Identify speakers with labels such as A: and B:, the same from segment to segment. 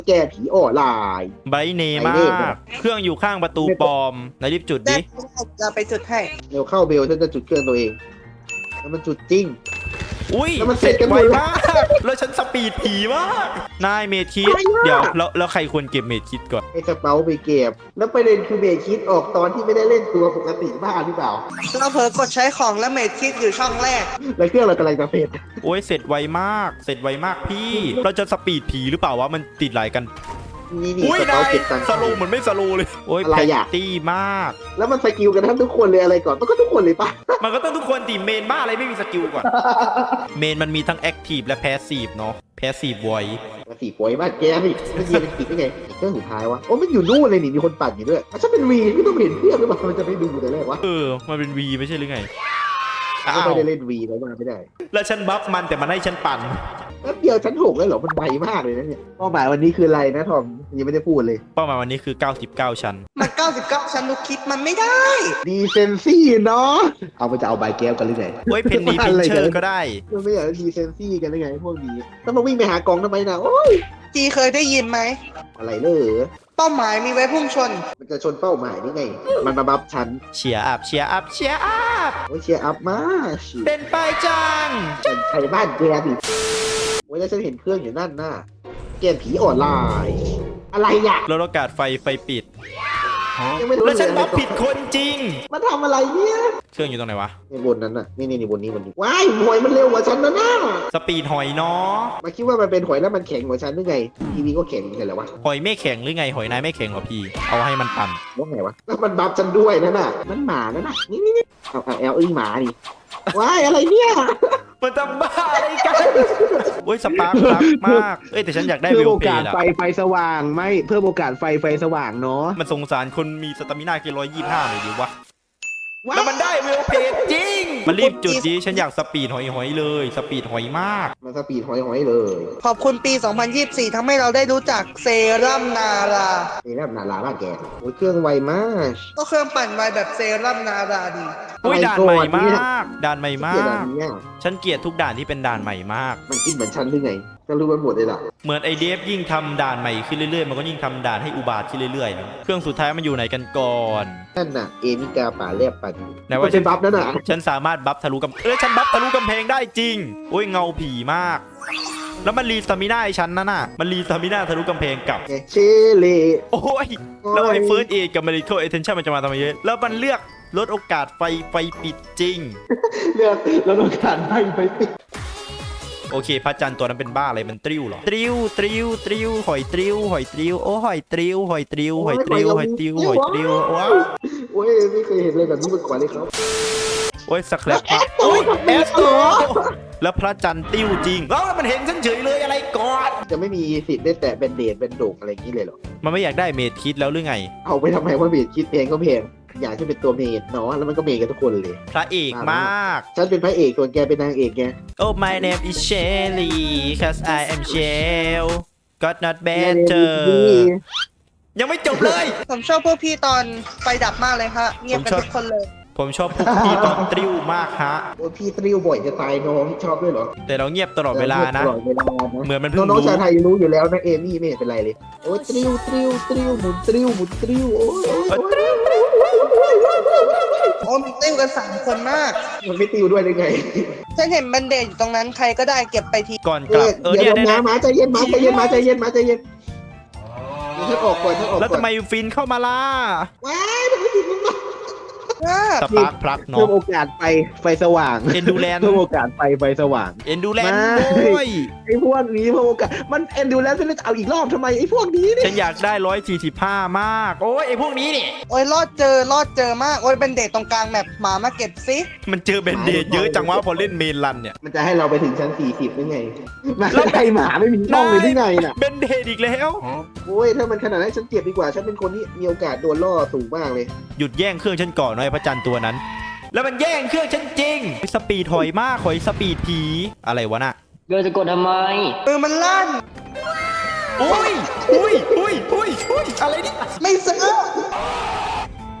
A: แกผีออนไลน์
B: ไบเนมากเครื่องอยู่ข้างประตูปลอมไหนรีบจุด
C: ได้
B: ดิ
C: จะไปจุดให้
A: เร็วเข้าเบลฉันจะจุดเครื่องตัวเองแล้วมันจุดจริง
B: อุ้ย
A: แล้วมัน
B: เสร็จ
A: เสร็จกันห
B: ไว
A: มดเลย
B: มากแล้วฉันสปีดผีมากนายเมทิส
A: ไวมาก
B: เดี๋ยวแล้วใครควรเก็บเมทิสก่อน
A: ไอ้สเปาไปเก็บแล้วประเด็นคือเบลคิดออกตอนที่ไม่ได้เล่นตัวปกติบ้าหรือเปล่า
C: เราเผลอกดใช้ของแล้วเมดคิดอยู่ช่องแรก
A: แล้วเครื่องเรากำลังจะเสร็จ
B: โอ้ยเสร็จไวมากเสร็จไวมากพี่เราจะสปีดผีหรือเปล่าวะมันติดไหลกัน
A: นี่
B: อุ้ย
A: สเปาน
B: าย
A: เก็บตังค์
B: สโลว์เหมือนไม่สโลว์เลยโอ้ย
A: อะไร
B: แพ
A: อะ
B: ตตี้มาก
A: แล้วมันสกิลกันทั้งทุกคนเลยอะไรก่อนมันก็ทุกคนเลยปะ
B: มันก็ต้องทุกคนตีเมนบ้าอะไรไม่มีสกิลก่อน เมนมันมีทั้งแอคทีฟและแพสซีฟเนาะแพสซีฟไว
A: มาสี่ป่วยมากแกนี่มันยีเป็นติดได้ไงเครื่องสุดท้ายวะโอ้มันอยู่นู่นเลยนี่มีคนปั่นอยู่ด้วยถ้าเป็นวีไม่ต้องเห็นเครื่องหรือเปล่ามันจะไม่ดูแต่แรกวะ
B: มันเป็นวีไม่ใช่หรือไงอ้า
A: ก็
B: ว
A: ไม่ได้เล่นวีแล้วมาไม่ได้
B: แล้วฉันบัฟมันแต่มันให้ฉันปั่น
A: แป๊บเดียวชั้น6เลยเหรอมันไวมากเลยนะเนี่ยเป้าหมายวันนี้คืออะไรนะทอมยังไม่ได้พูดเลย
B: เป้าหมายวันนี้คือ 99 ชั้น
C: มัน 99 ชั้นลูกคิดมันไม่ได้
A: ดีเซนซี่เนาะเอาไปจะเอาใบแก้วกันหรือไง
B: โอ้ยเพนนีพินเชอร์ก็ได้
A: มันไม่อยากดีเซนซี่กันหรือไงพวกนี้ต้องมาวิ่งไปหากองทำไมนะโอ้ย
C: จีเคยได้ยินไหม
A: อะไรเลย
C: เป้าหมายมีไว้พุ่งชน
A: มันจะชนเป้าหมายนี่ไง มันมาบัฟฉัน
B: เชียร์อัพเชียร์อัพเชียร์อัพ
A: โอ้ยเชียร์อัพมาก
B: เป็นไปจัง
A: ฉันใช้บ้านแกดิโอ้ยแล้วฉันเห็นเครื่องอยู่นั่นน่ะเกมผีออนไลน์อะไรอ่ะ
B: ลดโอกาสไฟปิด
A: ยังไม่รู้
B: แล้วฉัน
A: เลย
B: บัฟผิดคนจริง
A: มาทำอะไรเนี่ย
B: เครื่องอยู่ตรงไหนวะ
A: ในบนนั้นน่ะนี่บนนี้ว้ายหวยมันเร็วกว่าฉันนะน่ะ
B: สปีดหอยเนาะ
A: มาคิดว่ามันเป็นหอยแล้วมันแข็งกว่าฉันหรือไงทีวีก็แข็งเหมือนกันแหละวะ
B: หอยไม่แข็งหรือไงหอยนายไม่แข็งเหรอพี่ เอาให้มันปั่น
A: ว่าไงวะแล้วมันบัฟฉันด้วยนั่นน่ะนั่นหมานั่นน่ะนี่เอาแอลหมาดิว้ายอะไรเนี่ย
B: มันทำบ้าอะไรกันโอ้ยสปาร์ครักมากเอ้ยแต่ฉันอยากได้
A: เพิ่
B: เว
A: ม
B: ล
A: โอ
B: เพ
A: กาส
B: ย์อะ
A: ไฟสว่างไม่เพิ่มโอกาสไฟสว่างเนาะ
B: มันสงสารคนมีสตามินาเกิน125หน่อยดิวะ
A: ว้า
B: แล้วมันได้เวลเพย์จริง มันรีบจุดดีฉันอยากสปีดหอยเลย สปีดหอยมาก
A: มันสปีดหอยเลย
C: ขอบคุณปี 2024ทำให้เราได้รู้จักเซรั่มนารา
A: นี่แบบหนาลาบ้านแกโอ้ยเครื่องไวมาก
C: ก็เครื่องปั่นไวแบบเซรั่มนาราดี
B: อุ้ย
A: อะไร
B: ด่านใหม่
A: ก่อนเนี่ย
B: มาก ด่านใหม่มา
A: เกลียดอั
B: ก
A: นเนี้ย
B: ฉันเกลียดทุกด่านที่เป็นด่านใหม่มาก
A: มันคิดเหมือนฉันหรือไงก็รู้มันหมดเลยล่ะ
B: เหมือนไอเดฟยิ่งทำด่านใหม่ขึ้นเรื่อยๆ มันก็ยิ่งทำด่านให้อุบาทขึ้นเรื่อยๆ เครื่องสุดท้ายมันอยู่ไหนกันก่อน
A: นั่นน่ะเอมิกาป่าแลบปั่น
B: ไหนว่า
A: มันเป็นบัฟนั่นน่ะ
B: ฉันสามารถบัฟทะลุกำฉันบัฟทะลุกำแพงได้จริง โอ้ยเงาผีมาก แล้วมันรีสตามิน่าไอฉันนั่นน่ะ มันรีสตามิน่าทะลุกำแพงกลับ
A: ไงเชเล
B: โอ้ย แล้วไอ้เฟิร์สเอกับ medical attention มันจะมาทำไมเยอะ แล้วมันเลือกลดโอกาสไฟปิดจริง
A: เลือกแล้วต้องการให้ไปปิด
B: โอเคพระจันทร์ตัวนั้นเป็นบ้าอะไรมันตริ้วเหรอตริ้วหอยตริ้วโอ้หอยตริ้วว้าว
A: โอ้ยไม่เคยเห็นเลยแบบนี้มาก่อนเลยครับ
B: โอ้ยสแครปมาโอ้ยแอสโตแล้วพระจันทร์ติ้วจริงแล้วมันเห็นฉันเฉยเลยอะไรก่อน
A: จะไม่มีสิทธิ์ได้แตะแบนเดดแบนโดกอะไรอย่างนี้เลยเหรอ
B: มันไม่อยากได้เมดคิดแล้วหรือไง
A: เอาไปทำไมว่าเมดคิดเพลงก็เพลงอยากจะเป็นตัวเมดเนาะแล้วมันก็เมดกันทุกคนเลย
B: พระเอกมาก
A: ฉันเป็นพระเอกส่วนแกเป็นนางเอกไง
B: Oh my name is Shelly cause I am Shell got not better ยังไม่จบเลย
C: ผมชอบพวกพี่ตอนไฟดับมากเลยฮะเงียบกันทุกคนเลย
B: ผมชอบพวกพี่ตอนตริ้วมากฮะ
A: โอ้ยพี่ตริวบ่อยจะตายน้องชอบด้วยเหรอ
B: แต่เราเงียบตลอดเวลานะ
A: ตลอดเวลานะ
B: เหมือนมันเพิ่ง
A: น้อง
B: รู้
A: ๆชาวไทยรู้อยู่แล้วนะเอมี่ไม่เห็นเป็นไรเลยโอ้ยตริวหมุนตริวโอ้ย
C: โอ้มีติ้วกัน3 คนมาก
A: มันไม่ตริวด้วยได้ไง
C: ฉันเห็นแบนเดจอยู่ตรงนั้นใครก็ได้เก็บไปที
B: ก่อนกลับเนี่
A: เดี๋
B: ย
A: ยว
B: ได้
A: มาใจเย็นใจเย็นฉันออกก่อน
B: แล้วทำไมฟินเข้ามาล่ะ
A: ว้ายทำไมถึงมันมา
B: สปาร์คพลัก
A: เพิ่
B: เนาะ
A: มโอกาสไฟสว่าง
B: Endurance
A: เพิ่มโอกาสไฟสว่าง
B: เอ็นดูแลน
A: ไม่
B: ด้วย
A: ไอ้พวกนี้เพิ่มโอกาสมันเอ็นดูแล้วฉันจะเอาอีกรอบทำไมไอ้พวกนี้เนี่ย
B: ฉันอยากได้145มาก โอ้ยไอพวกนี้นี่
C: โอ้ยรอดเจอมากโอ้ยแบนเดจตรงกลางแมปหมามาเก็บซิ
B: มันเจอเบนเดดเยอะจังวะพอเล่นเมนรันเนี่ย
A: มันจะให้เราไปถึงชั้น40ได้ไงมาใครหมาไม่มีช่องเลยได้ไงน่ะ
B: เบนเดดอีกแล้ว
A: โอ้ยถ้ามันขนาดนั้นฉันเก็บดีกว่าฉันเป็นคนที่มีโอกาสโดนล่อสูงมากเลย
B: หยุดแย่งเครื่องฉันก่อนหน่อยพระจันทร์ตัวนั้น แล้วมันแย่งเครื่องฉันจริงสปีดหอยมากหอยสปีดผีอะไรวะน่ะ
D: เกิดจะกดทำไม
C: มือมันลั่น
B: อุ้ยอะไรนี่
C: ไม่ซื้อ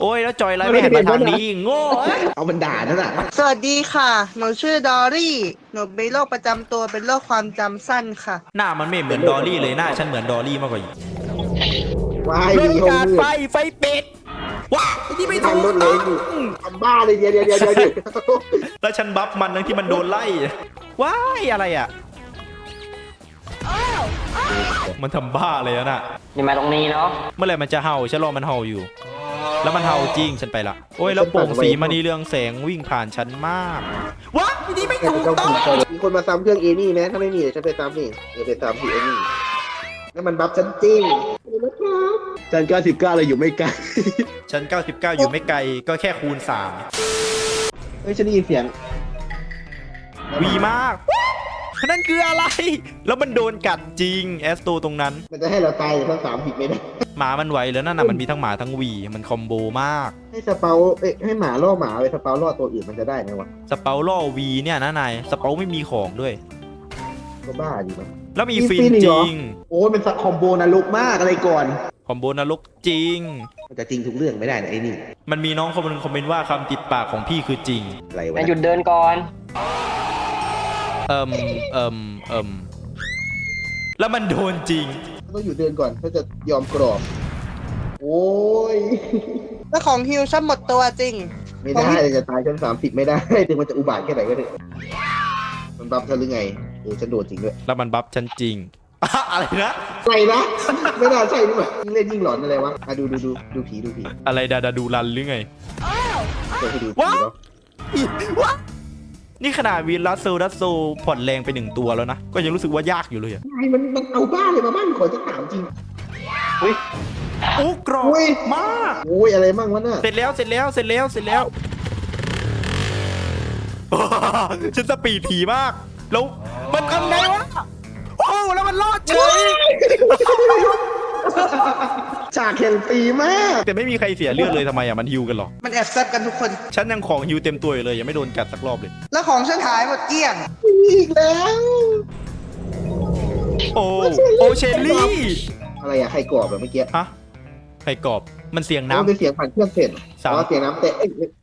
B: โอ้ยแล้วจอยไลท์ไม่หันมาทางนี้โง่เอ้ย
A: เอามันด่านั่นน่ะ
C: สวัสดีค่ะ หนูชื่อดอรี่หนูมีโรคประจำตัวเป็นโรคความจำสั้นค่ะ
B: หน้ามันไม่เหมือนดอลลี่เลยหน้าฉันเหมือนดอลลี่มากกว่าอีก
A: วาย
B: โดน
A: มีห้อง
B: การ
A: มืด
B: ไฟเป็ดว้าที่ไม่ถู
A: ทำร
B: ก
A: ถเล
B: ต้อย ง
A: อยู่ทำบ้าเลยเดี๋ยว
B: แล้วฉันบัฟมันทั้งที่มันโดนไล่ว้ายอะไรอ่ะมันทำบ้าเลยน่ะ
D: อย่ามาตรงนี้เนาะ
B: เมื่อไหร่มันจะเห่าฉันรอมันเห่าอยู่ แล้วมันเห่าจริงฉันไปละโอ้ยแล้วโป่งสีมณีเรืองแสงวิ่งผ่านฉันมากว้ายที่ไม่ถูกต้อง
A: มีคนมาซ้ำเครื่องเอนี่ไหมถ้าไม่มีเดี๋ยวฉันไปซ้ำนี่เดี๋ยวไปซ้ำที่เอนี่แล้วมันบัฟฉันจริงฉัน99เลยอยู่ไม่ไกล
B: ฉัน99อยู่ไม่ไกลก็แค่คูณ
A: เฮ้ยฉันได้ยินเสียง
B: 3วีมากนั่นคืออะไร แล้วมันโดนกัดจริงแอสโตตรงนั้น
A: มันจะให้เราตายทั้ง3ผิดไม่ได้
B: หมามันไหวแล้วนั่นน่ะมันมีทั้งหมาทั้งหวีมันคอมโบมาก
A: ให้สเปาให้หมาล่อหมาไปสเปาล่อตัวอื่นมันจะได้ไหมวะ
B: สเปาล่อวีเนี่ยนะนายสเปาไม่มีของด้วย
A: ก็บ้าดีมั้ง
B: แล้วมีฟิน
A: อีก
B: จ
A: เหรอ
B: ริง
A: โอ้ยเป็นคอมโบนรกมากอะไรก่อน
B: คอมโบนรกจริง
A: มันจะจริงทุกเรื่องไม่ได้นะไอ้นี่
B: มันมีน้องคนนึงคอมเมนต์ว่าคำติดปากของพี่คือจริง
A: อะไรวะ
D: นายหยุดเดินก่อน
B: เอิมเอิมเอิมแล้วมันโดนจริง
A: ต้องอยู่เดินก่อนถ้าจะยอมกรอบ โอ้ย
C: แล้วของฮิวฉันหมดตัวจริง
A: ไม่ได้จะตายชั้น30ไม่ได้ ถึงมันจะอุบาทแค่ไหนก็เถอะมันบัฟฉันหรือไงโอ้ฉันโดนจริงด้วย
B: แล้วมันบัฟฉันจริง อะไรนะ
A: อะไรนะ ไม่น่าใช่นี่หว่ายิ่งเล่นยิ่งหลอนอะไรวะอ่ะดูผี
B: อะไรดาดูรันหรือไง
A: เดี๋ยวให้ดูผี
B: ว้าว
A: เนาะ
B: วะนี่ขนาดวีลัสโซผ่อนแรงไป1ตัวแล้วนะ ก็ยังรู้สึกว่ายากอยู่เลยอะ
A: ไอ้มันเอาบ้านเลยมาบ้านขอจะถามจริง
B: โอ้กรอบ
A: อุ้ย
B: มาก
A: โอ้ยอะไรมั่งวะน่ะ
B: เสร็จแล้ว ฉันสปีดผีมาก แล้วมันทำไงวะ โอ้แล้วมันรอดเฉย
A: ฉากแข่งปีมาก
B: แต่ไม่มีใครเสียเลือดเลยทำไมอ่ะมันฮิวกันหรอ
C: มันแอบแซ่บกันทุกคน
B: ฉันยังของฮิวเต็มตัวอยู่เลยยังไม่โดนกัดสักรอบเลย
C: แล้วของฉันหายหมดเกลี้ยง
A: อีกแล้ว
B: โอเชลลี่
A: อะไรอะใครกรอบแบบเมื่อกี้
B: ฮะไข่กรอบมันเสียง
A: มันเป็น
B: น้ำ
A: เสียงผ่านเครื่องเสร็จอ๋อเสียงน้ำเตะ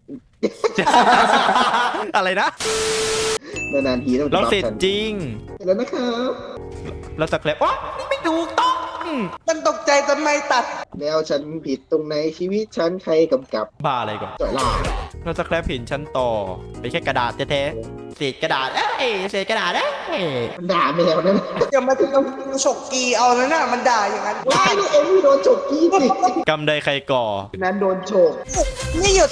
B: อะไรนะ
A: นานๆทีต้อง
B: เราเสร็จจริง
A: เสร็จแล้วนะครับ
B: แล้วสแครปอ๋อนี่ไม่ถูกต้อง
C: มันตกใจจนไม่ตัด
A: แล้วฉันผิดตรงไหนชีวิตฉันใครกำกับ
B: บ้าอะไรก่อน
A: จ่อยล่า
B: แล้วสแครปเห็นฉันต่อเป็นแค่กระดาษแท้ๆเศษกระดาษเศษกระดาษ
A: มันด่าไปแล้วนั่น
C: เดี๋ยวมันจะต้องฉกกีเอาแล้วน่ะมันด่าอย่างนั้น
A: ว้ายนี่เอ็มโดนฉกกี้สิ
B: กำใดใครก่อ
A: นั้นโดนฉก
C: ไม่หยุด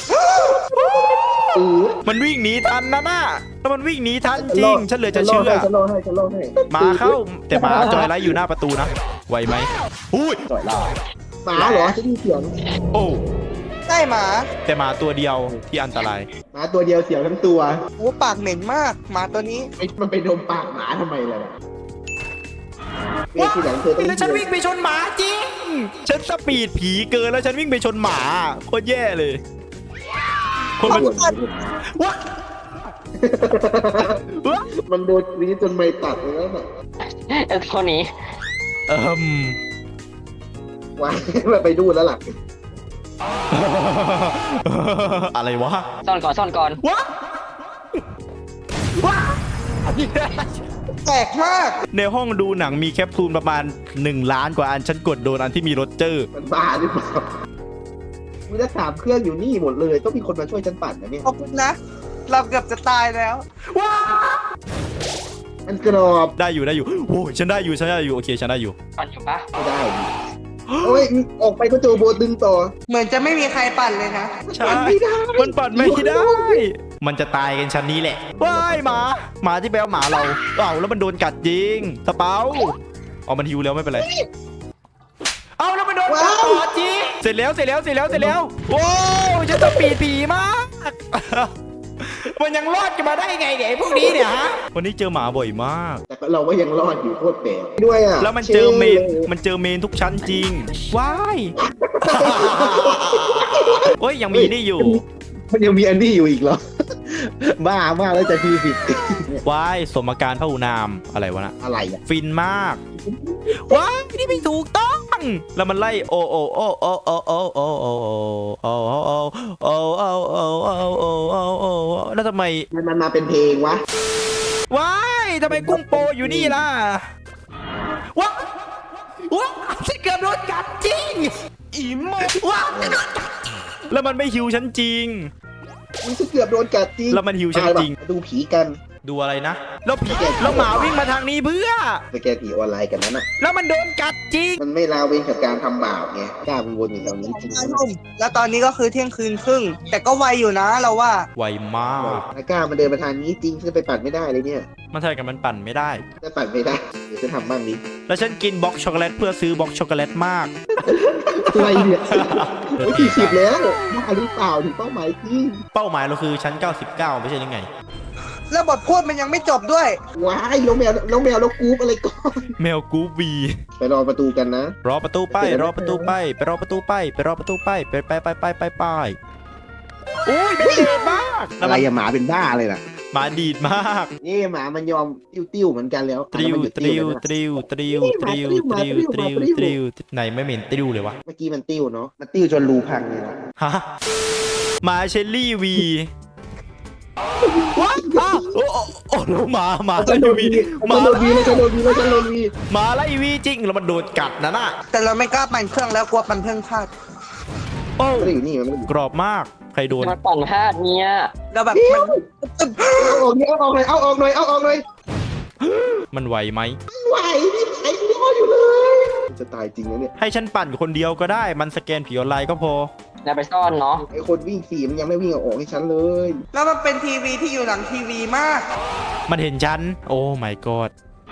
B: มันวิ่งหนีทันนะน่ะแล้วมันวิ่งหนีทันจริง ฉันเหลือจะเชื่อ
A: ฉันรอให้
B: หมาเข้า แต่หมาจอยไลท์อยู่หน้าประตูนะไหวไหมอุ้ย
A: จ่อยล่าหมาเหรอฉันได้ยินเสียง
B: โอ้
C: ได้หมา
B: แต่หมาตัวเดียวที่อันตราย
A: หมาตัวเดียวเสียวทั้งตัว
C: โอ้ปากเหม็นมากหมาตัวนี้
A: มันไปดมปากหมาทำไมล่ะเวทีหลังเธอต้อง
B: แล้วฉันวิ่งไปชนหมาจริง ฉันสปีดผีเกินแล้วฉันวิ่งไปชนหมาโคตรแย่เลย คนมันวะ
A: มันโดนนี้จนไม่ตัดเลยแล้วน่ะ
D: ไอ้ตัวนี้
B: เอิ่ม
A: ว้ายมันไปดูแล้วล่ะ
B: อะไรวะ
D: ซ่อนก่อน
B: วะวะ
C: แปลกมาก
B: ในห้องดูหนังมีแคปซูลประมาณ1 ล้านกว่าอันฉันกดโดนอันที่มีโรเจอร์
A: มันบ้าหรือเปล่ามีทั้ง3เครื่องอยู่นี่หมดเลยต้องมีคนมาช่วยฉันปั่นนะเนี่ย
C: ขอบคุณนะ เราเกือบจะตายแล้ว
B: ว้า
A: มันกรอบ
B: ได้อยู่โอ้ยฉันได้อยู่โอเคฉันได้อยู่
D: ก่อนอยู่ปะ
A: ไม่ได้ดิโอ้ยออกไปก็เจอโบดึงต่อ
C: เหมือนจะไม่มีใครปั่นเลยนะ
B: ใช่
A: ไม่ได้
B: มันปัดไม่ได้ มันจะตายกันชั้นนี้แหละว้ายหมาที่แปลว่าหมาเราแล้วมันโดนกัดจริงสเปาเอามันฮิวแล้วไม่เป็นไรเอาแล้วมันโดนกัดต่อจริงเสร็จแล้วโอ้ยฉันจะปีดผีมาก มันยังรอดกันมาได้ไงเนี่ยไอ้พวกนี้เนี่ยฮะวันนี้เจอหมาบ่อยมาก
A: แต่เราก็ยังรอดอยู่โคตรแปลกด้วยอ่ะ
B: แล้วมันเจอเมนทุกชั้นจริงว้าย โอ้ยยังมีนี่อยู่
A: มันยังมีอันนี้อยู่อีกเหรอ บ้ามากแล้วจะทีผิด
B: ว้ายสมการพระอุนามอะไรวะนะ
A: อะไรอ่ะ
B: ฟินมากว้ายนี่ไม่ถูกต้องแล้วมันไล่โอโอโอโอโอโอโอโอโอโอโอโอโอโอโอโอโอแล้วทำไม
A: มันมาเป็นเพลงวะ
B: ว้ายทำไมกุ้งโปอยู่นี่ล่ะว้าว้าฉันเกือบโดนกัดจริงอีโมว้าแล้วมันไม่หิวฉันจริง
A: มันเกือบโดนกัดจริง
B: แล้วมันหิวฉันจริง
A: มาดูผีกัน
B: ดูอะไรนะแล้วผีแล้วหมาวิ่งมาทางนี้เพื่อ
A: สแกนผีออนไลน์กันนั้นอ่ะ
B: แล้วมันโดนกัดจริง
A: มันไม่ลาเว้นกับการทำบาปไงกล้ามันวนอยู่แถวนี้จริง
C: 5 ทุ่มแล้วตอนนี้ก็คือเที่ยงคืนครึ่ง แต่ก็ไวอยู่นะเราว่า
B: ไวมาก
A: ถ้ากล้ามันเดินมาทางนี้จริงฉันไปปัดไม่ได้เลยเนี่ย
B: มันใช่กันมันปั่นไม่ได้
A: ถ้าปัดไม่ได้เดี๋ยวจะทำบ้างนี้
B: แล้วฉันกินบล็อกช็อกโกแลตเพื่อซื้อบล็อกช็อกโกแลตมาก
A: อะไรเนี่ยโอ้ย40แล้วบ้าหรือเปล่าถึงเป้าหมายจริง
B: เป้าหมายเราคือชั้น 99 ไม่ใช่ยังไง
C: แล้วบทพูดมันยังไม่จบด้วย
A: ว้ายแล้วแมวแล้วกรูปอะไรก่อน
B: แมวกูบี
A: ไปรอประตูกันนะ
B: รอประตูไปรอประตูไปไปรอประตูไปไปรอประตูไปไปอุ้ยเป็นเด็กมาก
A: อะไรอะหมาเป็นบ้าเลยน่ะ
B: หมาดีดมาก
A: นี่หมามันยอมติ้วเหมือนกันแล้ว
B: ตริว
A: มันหยุด
B: ตริว
A: แล้วนะ
B: ตริวตริวตริวตริวตริวตริวไหนไม่เหม็นตริวเลยวะ
A: เมื่อกี้มันติ้วเนาะมันติ้วจนรูพังเลยนะ
B: ฮะหมาเชลลี่วีว้าวโอ้โอ้แล้วหมาไล่วีหมา
A: โดนวีแล้วฉันโดนวีแล้วฉันโดนวี
B: หมาไล่วีจริงแล้วมันโดนกัดนะน่ะ
C: แต่เราไม่กล้าปั่นเครื่องแล้วกลัวปั่นเครื่องพลาด
B: โอ้
A: ไม่ได้อยู่นี่มันไม่ได้อยู่
B: กรอบมากใครโดน
D: มาปั่นพลาดเนี่ย
C: เราแบบมัน
A: เอาออกนี่เอาออกหน่อยเอาออกหน่อยเอาออกหน่อย
B: มันไหวไหม
A: ไหวนี่ไอ้รออยู่เลยจะตายจริงนะเนี่ย
B: ให้ฉันปั่นคนเดียวก็ได้มันสแกนผีออนไลน์ก็พอ
D: แล้วไปซ่อนเนาะ
A: ไอ้คนวิ่ง4มันยังไม่วิ่งเอาออกให้ฉันเลย
C: แล้วมันเป็นทีวีที่อยู่หลังทีวีมาก
B: มันเห็นฉันโอ้ my god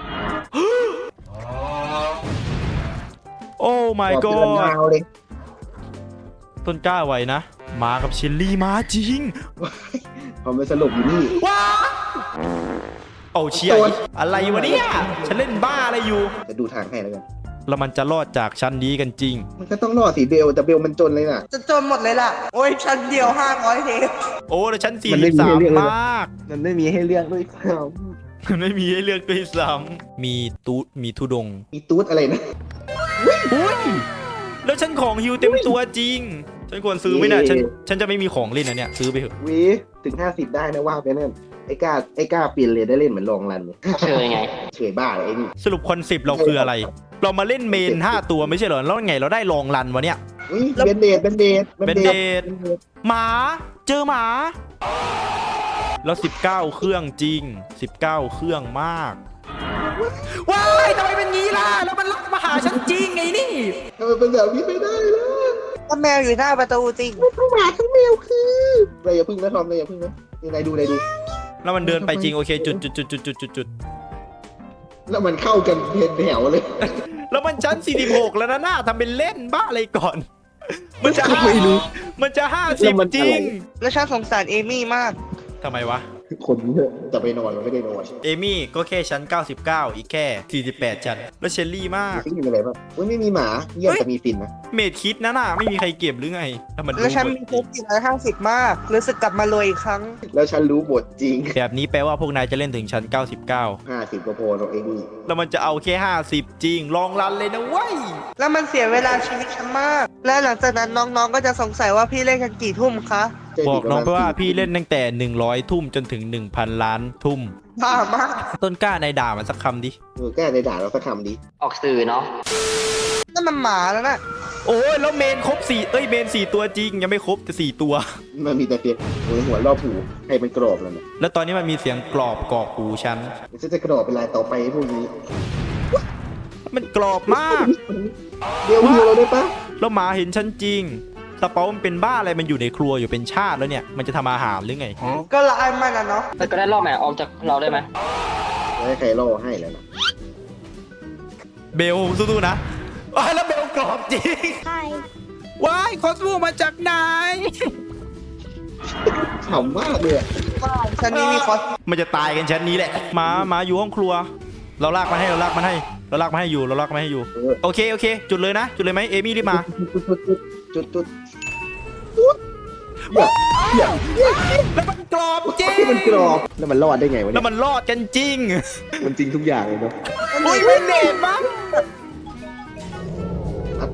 B: โอ้ my
A: บอกเป็น
B: god
A: ลาวเลย
B: ต้นกล้าไหวนะมากับเชลลี่มาจริง
A: พอมันสลบอยู่นี่
B: ว้าโอ้เชีย
A: โดน
B: อะไรวะเนี่ยฉันเล่นบ้าอะไรอยู่
A: จะดูทางให้แล้วกัน
B: แล้วมันจะรอดจากชั้นนี้กันจริง
A: มันก็ต้องรอดสิเบลแต่เบลมันจนเลยน่ะ
C: จะจนหมดเลยล่ะ โอ้ยชั้นเดียว500เทป
B: โอ้แล้วชั้น
A: มันไม่มีให้เลือกเลย
B: 43
A: นะ
B: มาก
A: มันไม่มีให้เลือกด้วยครับ
B: มันไม่มีให้เลือกด้วยซ้ำมีตูดมีทุดง
A: มีตูดอะไรนะ
B: อุ้ยแล้วฉันของฮิวเต็มตัวจริง ฉันควรซื้อไหมเนี่ยฉันจะไม่มีของเล่นนะเนี่ยซื้อไปเถอะ
A: วิถึง50ได้นะว่าไปนั่นไอ้กล้าเปลี่ยนเลยได้เล่นเหมือนลองรันเลย
D: เชยไง
A: เฉยบ้าเลยไอ้นี่
B: สรุปคอนเซปต์เราคืออะไร เรามาเล่นเมน 5 ตัวไม่ใช่เหรอแล้วไงเราได้ลองรันวะเนี่ย
A: อุ๊ยเบนเดด
B: เบนเดดหมาเจอหมา แล้ว19 เครื่องจริง 19 เครื่องมากว้ายทำไมเป็นงี้ล่ะแล้วมันลักมาหาฉันจริงไงนี่
A: ทำไมเป็นแบบนี้ไม่ได้ล่ะ
C: ถ้าแมวอยู่หน้าประตูจริง
A: ทั้งหมาทั้งแมวคืออะไรอย่าพึ่งนะทอมเลยอย่าพึ่งนะนี่นายดู
B: แล้วมันเดินไปจริงโอเคจุด
A: แล้วมันเข้ากันเป็นแถวเลย
B: แล้วมันชั้น46แล้วนะหน้าทำเป็นเล่นบ้าอะไรก่อน มันจะ
A: ไม่รู้
B: มันจะ
A: แล้วมัน
B: 50จริง
C: แล้วฉันสงสารเอมี่มาก
B: ทำไมวะ
A: คนเยอะจะไปนอนมันไม่ได้นอน
B: เอมี่ก็แค่ชั้น99อีกแค่48ชั้นแล้วเชลลี่มาก
A: ซิ่งมีอะไรบ้างอุ๊ยไม่มีหมาเยี่ยมแต่มีฟินนะ
B: เมดคิดนะน่ะไม่มีใครเก็บหรือไงแล้วมัน
C: แล้วฉันมีทุก450 มาก รู้สึกกลับมารวยอีกครั้ง
A: แล้วฉันรู้บทจริง
B: แบบนี้แปลว่าพวกนายจะเล่นถึงชั้น99
A: 50ก็พอเราเองนี่
B: แล้วมันจะเอาแค่50จริงลองรันเลยนะเว้ย
C: แล้วมันเสียเวลาชีวิตฉันมาก และหลังจากนั้นน้องๆ ก็จะสงสัยว่าพี่เล่นกันกี่ทุ่มคะ
B: บอกน้องไปว่าพี่เล่นตั้งแต่100ทุ่มจนถึง 1,000 ล้านทุ่ม
C: บ้ามาก
B: ต้นกล้านายด่ามันสักคำดิ
A: แก้ในด่าเราสักคำดิ
D: ออกสื่อเนาะ
C: นั่นมันหมาแล้วน่ะ
B: โอ้ยแล้วเมนครบ4เมน4ตัวจริงยังไม่ครบแต่4ตัว
A: มันมีแต่เพียงหัวรอบหูให้มันกรอบแล้วนะ
B: แล้วตอนนี้มันมีเสียงกรอบกรอกหูฉัน
A: ฉันจะกรอบเป็นลายต่อไปพวกนี้
B: มันกรอบมาก
A: เดี๋ยวหิวเราได้ปะ
B: แล้วหมาเห็นฉันจริงสเปามันเป็นบ้าอะไรมันอยู่ในครัวอยู่เป็นชาติแล้วเนี่ยมันจะทำอาหารหรือไง
C: ก็ละอายมันอะเนาะ
D: แล้วก็ได้รอบแหมออกจากเราได้ไหม
A: ไม่ให้ใครล่อให้แล้วนะ
B: เบลสู้ๆนะว้ายแล้วเบลกรอบจริงว้ายคอสโมมาจากไหน
A: ฉ่ำมากเลยอะ
C: ฉันนี่มีคอส
B: มันจะตายกันชั้นนี้แหละหมาอยู่ห้องครัว เราลากมันให้เราลากมันให้อยู่โอเคจุดเลยนะจุดเลยไหมเอมี่รีบมา
A: จุด
B: แล้วมันกรอบจริง
A: ที่มันกรอบแล้วมันรอดได้ไงวะ
B: แล้
A: เนี่
B: วย มันรอดกันจริง
A: มันจริงทุกอย่างเลยเนาะ
B: อุ้ยไม่เน็ตมั้ง
A: อัด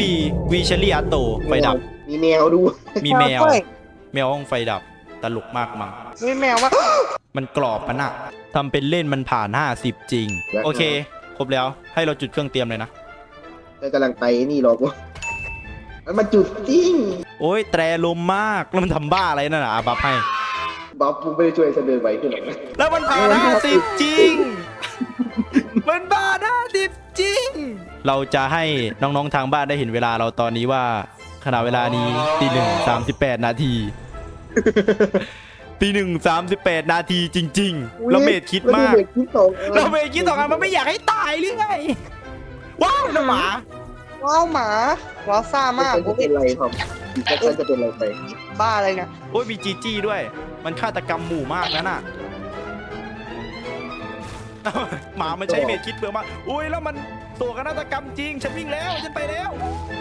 B: วีเชอรี่อาโตไฟดับ
A: มีแมวดู
B: มีแมว
C: ด้วย
B: แมวห้องไฟดับตลกมากมั้ง
C: มีแมวว่า
B: มันกรอบมันอะทำเป็นเล่นมันผ่าน50จริง โอเค ครบแล้วให้เราจุดเครื่องเตรียมเลยนะ
A: ก็กำลังไปนี่หรอกวะมันมาจุดจริง
B: โอ้ยแตรลมมากแล้วมันทำบ้าอะไรนั่นน่ะบัฟให้
A: บ๊อบมึงไม่ได้ช่วยฉันเดินไหวขึ้นหรอกนะ
B: แล้วมันผ่าน50จริง มันผ่าน50จริง เราจะให้น้องๆทางบ้านได้เห็นเวลาเราตอนนี้ว่าขณะเวลานี้ตี 1:38 นาที ตี 1:38 นาทีจริงๆเราเมดคิดมาก
A: เมดคิดสองอัน
B: เราเมดคิดต่อกันมันไม่อยากให้ตายหรือไงว้าวน้องหมา
C: ว้าวหมาว้าวซ่ามาก
A: จะเป็นไรครับฉันจะเป็นไรไป
C: บ้าอะไรเนี่ย
B: โอ้ยมีจีจี้ด้วย มันฆาตกรรมหมู่มากนั่นน่ะ หมามันใช้เมดคิดเปลืองมากอุ้ยแล้วมันตัวฆาตกรรมจริงฉันวิ่งแล้วฉันไปแล้ว